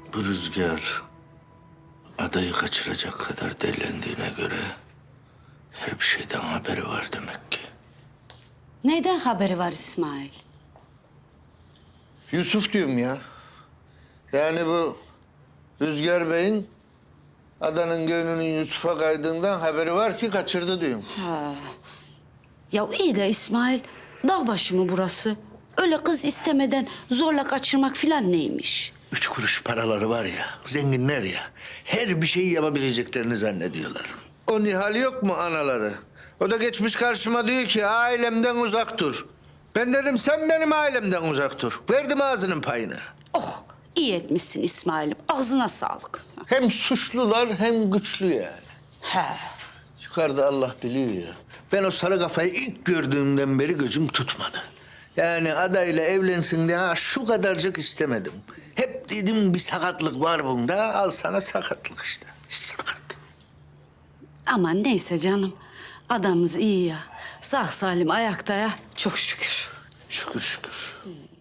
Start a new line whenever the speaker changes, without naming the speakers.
Bu Rüzgar adayı kaçıracak kadar dellendiğine göre her bir şeyden haberi var demek ki.
Neyden haberi var İsmail?
Yusuf diyorum ya. Yani bu Rüzgar Bey'in adanın gönlünün Yusuf'a kaydığından haberi var ki kaçırdı diyorum.
Ya iyi de İsmail, dağ başı mı burası? Öyle kız istemeden zorla kaçırmak filan neymiş?
3 kuruş paraları var ya, zenginler ya. Her bir şeyi yapabileceklerini zannediyorlar. O Nihal yok mu anaları? O da geçmiş karşıma diyor ki ailemden uzak dur. Ben dedim sen benim ailemden uzak dur. Verdim ağzının payını.
Oh, iyi etmişsin İsmail'im. Ağzına sağlık.
Hem suçlular hem güçlü yani.
He.
Yukarıda Allah biliyor ya. Ben o sarı kafayı ilk gördüğümden beri gözüm tutmadı. Yani adayla evlensin diye şu kadarcık istemedim. Hep dedim bir sakatlık var bunda. Al sana sakatlık işte. Sakat.
Aman neyse canım. Adamımız iyi ya. Sağ salim ayakta ya. Çok şükür.
Şükür şükür.